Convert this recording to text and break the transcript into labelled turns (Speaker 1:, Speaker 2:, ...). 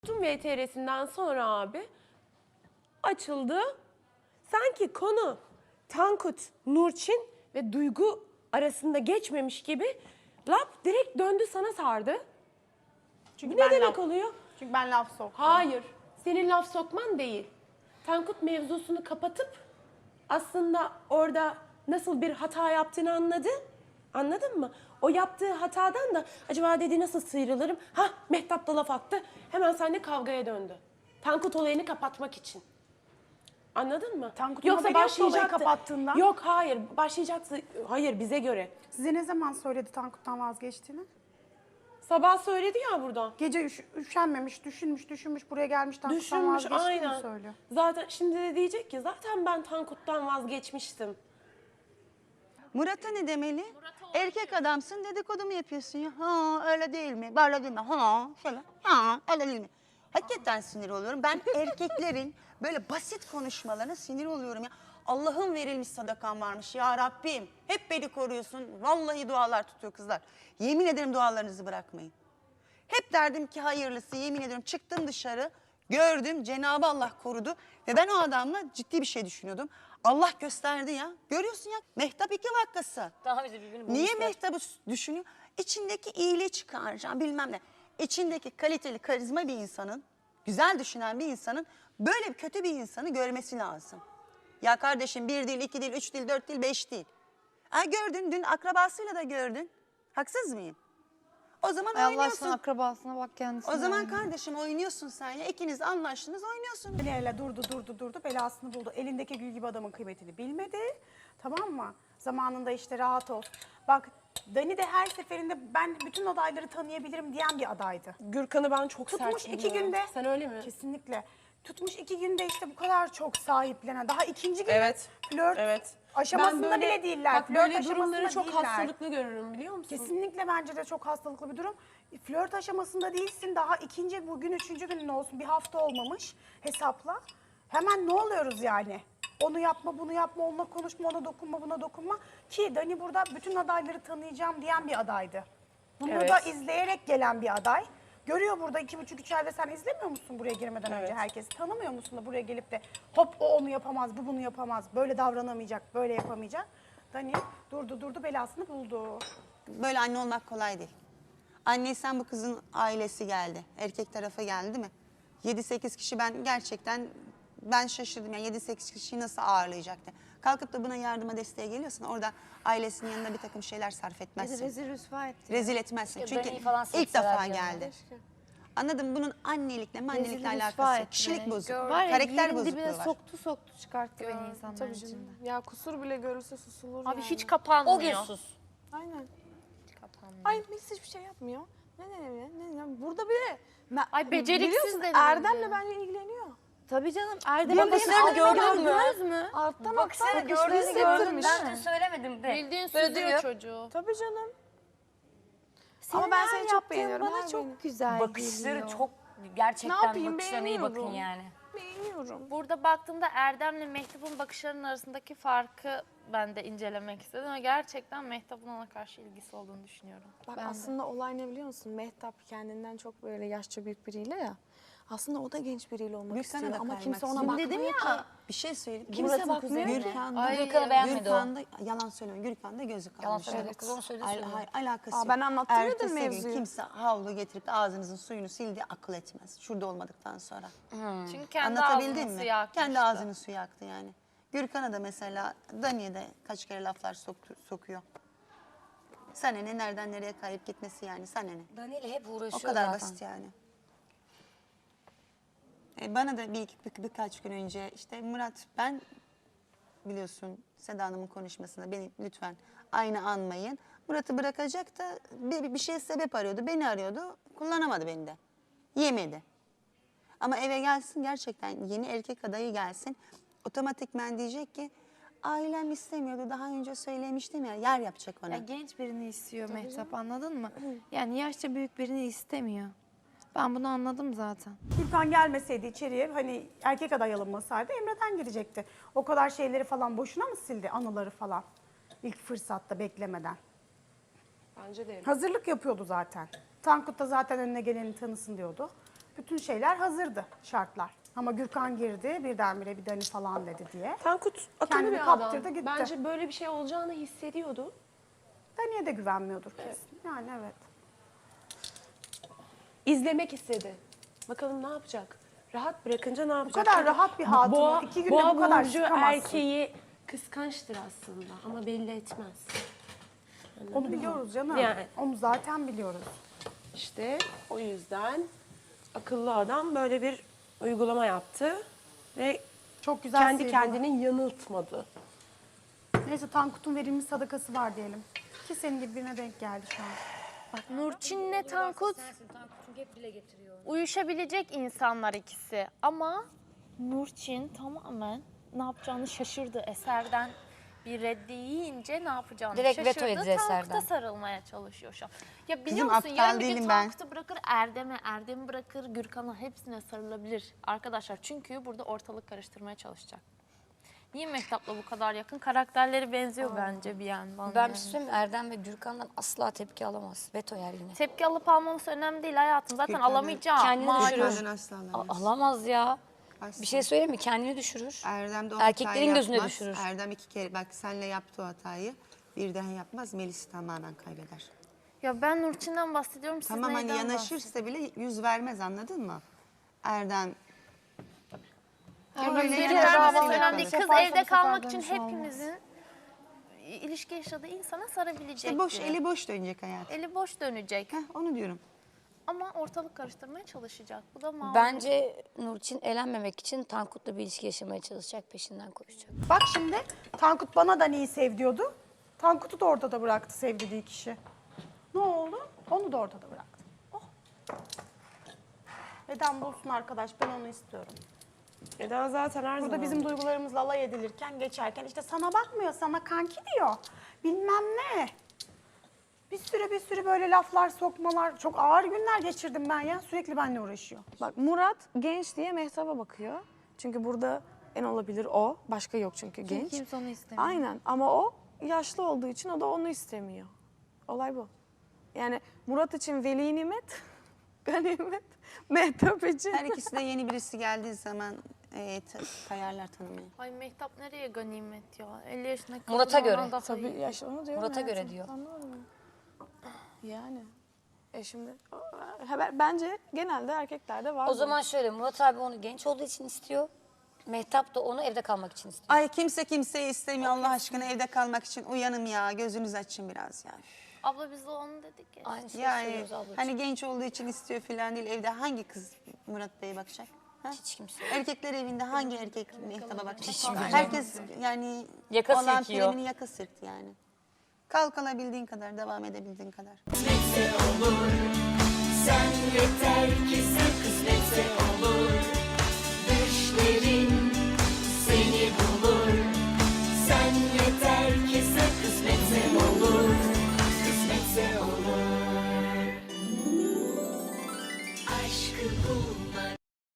Speaker 1: Tüm VTR'sinden sonra abi açıldı. Sanki konu Tankut, Nurçin ve Duygu arasında geçmemiş gibi lap direkt döndü sana sardı.
Speaker 2: Çünkü
Speaker 1: Bu ne demek
Speaker 2: laf,
Speaker 1: oluyor?
Speaker 2: Çünkü ben laf soktum.
Speaker 1: Hayır. Senin laf sokman değil. Tankut mevzusunu kapatıp aslında orada nasıl bir hata yaptığını anladı. Anladın mı? O yaptığı hatadan da acaba dedi nasıl sıyrılırım? Hah, Mehtap da laf attı. Hemen seninle kavgaya döndü. Tankut olayını kapatmak için. Anladın mı?
Speaker 2: Tankut'un haberi yoktu olayı kapattığından.
Speaker 1: Yok hayır başlayacaktı. Hayır bize göre.
Speaker 2: Size ne zaman söyledi Tankut'tan vazgeçtiğini?
Speaker 1: Sabah söyledi ya burada.
Speaker 2: Gece üşenmemiş, düşünmüş, buraya gelmiş Tankut'tan
Speaker 1: Düşünmüş
Speaker 2: vazgeçtiğini
Speaker 1: aynen.
Speaker 2: söylüyor.
Speaker 1: Zaten şimdi de diyecek ki zaten ben Tankut'tan vazgeçmiştim.
Speaker 3: Murat'a ne demeli? Erkek adamsın dedikodu mu yapıyorsun ya? Ha öyle değil mi? Böyle değil mi? Ha şöyle. Ha öyle değil mi? Hakikaten sinir oluyorum. Ben erkeklerin böyle basit konuşmalarına sinir oluyorum ya. Allah'ın verilmiş sadakan varmış ya Rabbim. Hep beni koruyorsun. Vallahi dualar tutuyor kızlar. Yemin ederim dualarınızı bırakmayın. Hep derdim ki hayırlısı, yemin ediyorum çıktım dışarı, gördüm, Cenab-ı Allah korudu ve ben o adamla ciddi bir şey düşünüyordum. Allah gösterdi ya. Görüyorsun ya, Mehtap iki vakası.
Speaker 4: Daha bizi birbirini bulmuşlar.
Speaker 3: Niye Mehtap'ı düşünüyor? İçindeki iyiliği çıkaracağım bilmem ne. İçindeki kaliteli, karizma bir insanın, güzel düşünen bir insanın böyle bir kötü bir insanı görmesi lazım. Ya kardeşim bir değil, iki değil, üç değil, dört değil, beş değil. Ha gördün, dün akrabasıyla da gördün. Haksız mıyım? O zaman
Speaker 5: Ay Allah
Speaker 3: oynuyorsun.
Speaker 5: aşkına akrabasına bak kendisine.
Speaker 3: O zaman kardeşim oynuyorsun sen ya. İkiniz anlaştınız oynuyorsun.
Speaker 2: Ele durdu, belasını buldu. Elindeki gül gibi adamın kıymetini bilmedi. Tamam mı? Zamanında işte rahat ol. Bak Dani de her seferinde ben bütün adayları tanıyabilirim diyen bir adaydı.
Speaker 1: Gürkan'ı ben çok
Speaker 2: Tutmuş
Speaker 1: sert
Speaker 2: 2
Speaker 1: buluyorum.
Speaker 2: günde.
Speaker 1: Sen öyle mi?
Speaker 2: Kesinlikle. Tutmuş 2 günde işte bu kadar çok sahiplenen. Daha ikinci gün
Speaker 1: Evet.
Speaker 2: flört
Speaker 1: Evet.
Speaker 2: aşamasında
Speaker 1: Ben böyle-
Speaker 2: bile değiller.
Speaker 1: Bak
Speaker 2: Flört
Speaker 1: böyle durumları
Speaker 2: aşamasında
Speaker 1: çok
Speaker 2: değiller.
Speaker 1: hastalıklı görürüm biliyor musun?
Speaker 2: Kesinlikle bence de çok hastalıklı bir durum. Flört aşamasında değilsin. Daha ikinci bugün üçüncü günün olsun. Bir hafta olmamış hesapla. Hemen ne oluyoruz yani? Onu yapma, bunu yapma, onunla konuşma, ona dokunma, buna dokunma. Ki Dani burada bütün adayları tanıyacağım diyen bir adaydı. Bunu
Speaker 1: Evet.
Speaker 2: da izleyerek gelen bir aday. Görüyor burada 2,5-3 ayda sen izlemiyor musun buraya girmeden önce
Speaker 1: Evet.
Speaker 2: herkesi? Tanımıyor musun da buraya gelip de hop o onu yapamaz, bu bunu yapamaz, böyle davranamayacak, böyle yapamayacak. Dani durdu belasını buldu.
Speaker 3: Böyle anne olmak kolay değil. Anneysen bu kızın ailesi geldi. Erkek tarafı geldi değil mi? 7-8 kişi ben şaşırdım. Yani 7-8 kişiyi nasıl ağırlayacaktı? Kalkıp da buna yardıma desteğe geliyorsun. Orada ailesinin yanında bir takım şeyler sarf etmezsin.
Speaker 5: Rezil rüsva etti.
Speaker 3: Rezil etmezsin.
Speaker 4: Keşke
Speaker 3: Çünkü
Speaker 4: Dani'yi falan
Speaker 3: ilk defa
Speaker 4: silseler canım.
Speaker 3: geldi. Anladın mı? Bunun annelikle
Speaker 5: Rezil rüsva
Speaker 3: alakası yok.
Speaker 5: etti
Speaker 3: Kişilik
Speaker 5: beni.
Speaker 3: bozukluğu,
Speaker 5: Var ya,
Speaker 3: karakter
Speaker 5: yerin
Speaker 3: bozukluğu
Speaker 5: dibine
Speaker 3: var.
Speaker 5: soktu çıkarttı beni insanların
Speaker 6: Tabii
Speaker 5: içinde.
Speaker 6: canım. Ya kusur bile görülse susulur
Speaker 4: Abi
Speaker 6: yani.
Speaker 4: hiç kapanmıyor.
Speaker 6: O gün sus. Aynen.
Speaker 4: Hiç kapanmıyor.
Speaker 6: Ay biz hiçbir şey yapmıyor. Ne. Burada bile...
Speaker 4: Ay, beceriksiz
Speaker 6: biliyorsun,
Speaker 4: dedi
Speaker 6: Erdem'le
Speaker 4: bence.
Speaker 6: bence ilgileniyor.
Speaker 5: Tabii canım Erdem
Speaker 4: Bakışlarını gördün mü?
Speaker 6: Alttan
Speaker 4: Bakışlarını
Speaker 6: alttan
Speaker 4: gördün mü?
Speaker 6: hissettirmiş.
Speaker 4: Ben dün söylemedim de.
Speaker 6: Bildiğin
Speaker 4: Böyle
Speaker 6: süzüyor
Speaker 4: duruyor.
Speaker 6: çocuğu. Tabii canım.
Speaker 5: Senin
Speaker 6: Ama ben
Speaker 5: her
Speaker 6: seni çok
Speaker 5: yaptığın
Speaker 6: beğeniyorum,
Speaker 5: bana
Speaker 6: her
Speaker 5: çok
Speaker 6: beğeni.
Speaker 5: güzel
Speaker 4: Bakışları
Speaker 5: geliyor.
Speaker 4: çok gerçekten
Speaker 6: Ne yapayım,
Speaker 4: bakışlarına iyi bakın
Speaker 6: beğeniyorum.
Speaker 4: yani.
Speaker 6: Beğeniyorum.
Speaker 7: Burada baktığımda Erdem'le Mehtap'ın bakışlarının arasındaki farkı ben de incelemek istedim. Ama gerçekten Mehtap'ın ona karşı ilgisi olduğunu düşünüyorum.
Speaker 6: Bak
Speaker 5: Ben de.
Speaker 6: aslında olay ne biliyor musun? Mehtap kendinden çok böyle yaşça büyük biriyle ya. Aslında o da genç biriyle olmak
Speaker 3: Gürkan'a
Speaker 6: istiyor
Speaker 3: da
Speaker 6: ama
Speaker 3: kaymak
Speaker 6: kimse ona
Speaker 3: istiyor.
Speaker 6: bakmıyor
Speaker 3: Dedim
Speaker 6: ki.
Speaker 3: ya. Bir şey söyleyeyim.
Speaker 6: Kimse
Speaker 3: Murat'ın
Speaker 6: bakmıyor
Speaker 3: kuzeni
Speaker 6: ki.
Speaker 3: Gürkan'da,
Speaker 4: Ay, Gürkan'ı beğenmedi o.
Speaker 3: Gürkan'da yalan söylüyorum. Gürkan'da gözü kalmış.
Speaker 4: Yalan söyledi. Kız onu söyledi.
Speaker 3: Hayır, alakası
Speaker 6: Aa,
Speaker 3: yok.
Speaker 6: ben anlattırıyordum
Speaker 3: Ertesi gün
Speaker 6: mevzuyu.
Speaker 3: kimse havlu getirip de ağzınızın suyunu sildi akıl etmez. Şurada olmadıktan sonra.
Speaker 7: Çünkü kendi
Speaker 3: Anlatabildim
Speaker 7: ağzını
Speaker 3: mi?
Speaker 7: suya akmıştı.
Speaker 3: Kendi ağzının suyu aktı yani. Gürkan'a da mesela Dani'ye de kaç kere laflar sokuyor. Sana ne, nereden nereye kayıp gitmesi yani, sana ne?
Speaker 4: Dani'yle hep
Speaker 3: O
Speaker 4: uğraşıyor
Speaker 3: kadar
Speaker 4: zaten.
Speaker 3: basit yani. Bana da birkaç gün önce işte Murat ben biliyorsun Seda Hanım'ın konuşmasında beni lütfen aynı anmayın. Murat'ı bırakacak da bir şey sebep arıyordu. Beni arıyordu. Kullanamadı beni de. Yemedi. Ama eve gelsin gerçekten yeni erkek adayı gelsin. Otomatikman diyecek ki ailem istemiyordu. Daha önce söylemiştim ya yer yapacak ona.
Speaker 5: Ya genç birini istiyor Mehtap anladın mı? Yani yaşça büyük birini istemiyor. Ben bunu anladım zaten.
Speaker 2: Gürkan gelmeseydi içeriye hani erkek aday alınmasaydı Emre'den girecekti. O kadar şeyleri falan boşuna mı sildi anıları falan ilk fırsatta beklemeden?
Speaker 1: Bence de.
Speaker 2: Hazırlık yapıyordu zaten. Tankut da zaten önüne geleni tanısın diyordu. Bütün şeyler hazırdı, şartlar. Ama Gürkan girdi, birdenbire bir Dani falan dedi diye.
Speaker 1: Tankut akıllı
Speaker 2: Kendini
Speaker 1: bir
Speaker 2: kaptırdı,
Speaker 1: adam.
Speaker 2: gitti.
Speaker 1: Bence böyle bir şey olacağını hissediyordu.
Speaker 2: Dani'ye de güvenmiyordur kesin. Yani evet.
Speaker 1: İzlemek istedi. Bakalım ne yapacak? Rahat bırakınca ne yapacak?
Speaker 2: kadar rahat bir hatunu,
Speaker 1: Boğa,
Speaker 2: 2 günde
Speaker 1: boğa
Speaker 2: bu kadar
Speaker 1: burcu
Speaker 2: sıkamazsın.
Speaker 1: erkeği kıskançtır aslında ama belli etmez.
Speaker 2: Onu biliyoruz canım.
Speaker 1: Yani.
Speaker 2: Onu zaten biliyoruz.
Speaker 1: İşte o yüzden akıllı adam böyle bir uygulama yaptı ve
Speaker 2: Çok güzel
Speaker 1: kendi
Speaker 2: sıyırdılar.
Speaker 1: kendini yanıltmadı.
Speaker 2: Neyse Tankut'un verilmiş sadakası var diyelim. Ki senin gibi birine denk geldi şu an.
Speaker 7: Bak Nurçin'le Tankut uyuşabilecek insanlar ikisi. Ama Nurçin tamamen ne yapacağını şaşırdı. Eserden bir reddi yiyince ne yapacağını
Speaker 4: Direkt veto
Speaker 7: şaşırdı.
Speaker 4: yedi
Speaker 7: Tankut'a
Speaker 4: Eser'den.
Speaker 7: sarılmaya çalışıyor şu an. Ya biliyor
Speaker 3: Kızım,
Speaker 7: musun
Speaker 3: aptal
Speaker 7: yarın bir gün
Speaker 3: değilim ben.
Speaker 7: Tankut'u bırakır Erdem'e, Erdem'i bırakır Gürkan'a, hepsine sarılabilir arkadaşlar. Çünkü burada ortalık karıştırmaya çalışacak. Niye Mehtap'la bu kadar yakın? Karakterleri benziyor bence bir yandan.
Speaker 4: Ben
Speaker 7: yani.
Speaker 4: bir şey söyleyeyim mi? Erdem ve Gürkan'dan asla tepki alamaz. Veto yer yine.
Speaker 7: Tepki alıp almaması önemli değil hayatım. Zaten alamayacağım.
Speaker 4: Kendini
Speaker 7: Malum.
Speaker 4: düşürür.
Speaker 3: asla alamaz.
Speaker 4: Alamaz ya.
Speaker 3: Asla.
Speaker 4: Bir şey söyleyeyim mi? Kendini düşürür.
Speaker 3: Erdem de o
Speaker 4: Erkeklerin
Speaker 3: hatayı
Speaker 4: gözüne
Speaker 3: yapmaz.
Speaker 4: düşürür.
Speaker 3: Erdem 2 kere bak senle yaptı o hatayı. Bir daha yapmaz. Melis tamamen kaybeder.
Speaker 7: Ya ben Nurçin'den bahsediyorum. Siz
Speaker 3: Tamam hani
Speaker 7: neyden
Speaker 3: yanaşırsa bile yüz vermez anladın mı? Erdem.
Speaker 7: bahsediyorsunuz?
Speaker 3: Öyle
Speaker 7: Biri
Speaker 3: yanaşması
Speaker 7: vermesi
Speaker 3: yapar.
Speaker 7: önemli değil. Kız
Speaker 5: Yaparsa
Speaker 7: evde
Speaker 5: bu
Speaker 7: kalmak
Speaker 5: sefer
Speaker 7: için
Speaker 5: dönüşü olmaz.
Speaker 7: hepimizin ilişki yaşadığı insana sarabilecek.
Speaker 3: İşte boş, eli boş dönecek hayat.
Speaker 7: Eli boş dönecek.
Speaker 3: Heh, onu diyorum.
Speaker 7: Ama ortalık karıştırmaya çalışacak. Bu da malum.
Speaker 4: Bence Nurçin elenmemek için Tankut'la bir ilişki yaşamaya çalışacak, peşinden koşacak.
Speaker 2: Bak şimdi Tankut bana da neyi sev diyordu. Tankut'u da ortada bıraktı sevdiği kişi. Ne oldu? Onu da ortada bıraktı. Oh. Neden bulsun arkadaş? Ben onu istiyorum.
Speaker 1: Neden zaten her
Speaker 2: Burada
Speaker 1: zaman.
Speaker 2: bizim duygularımızla alay edilirken, geçerken işte sana bakmıyor, sana kanki diyor. Bilmem ne. Bir sürü böyle laflar, sokmalar. Çok ağır günler geçirdim ben ya. Sürekli benimle uğraşıyor.
Speaker 6: Bak Murat genç diye Mehtap'a bakıyor. Çünkü burada en olabilir o. Başka yok çünkü genç.
Speaker 5: Kimse onu istemiyor.
Speaker 6: Aynen ama o yaşlı olduğu için o da onu istemiyor. Olay bu. Yani Murat için veli nimet, ganimet, Mehtap için.
Speaker 3: Her ikisi de yeni birisi geldiği zaman kayarlar tanımaya.
Speaker 7: Ay Mehtap nereye ganimet ya? 50 yaşındaki
Speaker 4: Murat'a
Speaker 7: kadın
Speaker 4: göre.
Speaker 7: ona daha
Speaker 6: Tabii
Speaker 7: iyi.
Speaker 6: yaş onu diyorum.
Speaker 4: Murat'a göre
Speaker 6: hayatım.
Speaker 4: diyor.
Speaker 6: Anladın mı? Yani. Şimdi bence genelde erkeklerde var.
Speaker 4: O
Speaker 6: bu.
Speaker 4: zaman şöyle, Murat abi onu genç olduğu için istiyor. Mehtap da onu evde kalmak için istiyor.
Speaker 3: Ay kimse kimseyi istemiyor Allah aşkına evde kalmak için. Uyanım ya gözünüzü açın biraz ya.
Speaker 7: Abla biz de onu dedik ya.
Speaker 4: Aynı şeyi
Speaker 3: Yani
Speaker 4: söylüyoruz ablacığım.
Speaker 3: hani genç olduğu için istiyor falan değil. Evde hangi kız Murat Bey'e bakacak? Ha?
Speaker 4: Hiç kimse.
Speaker 3: Erkekler evinde hangi erkek Mehtap'a bakacak?
Speaker 4: Hiç bilmiyorum.
Speaker 3: Herkes yani
Speaker 4: Yaka
Speaker 3: olan
Speaker 4: silkiyor.
Speaker 3: primini yaka sırtı yani. Kalkalabildiğin kadar, devam edebildiğin kadar.
Speaker 8: Sen yeter ki sen kısmetse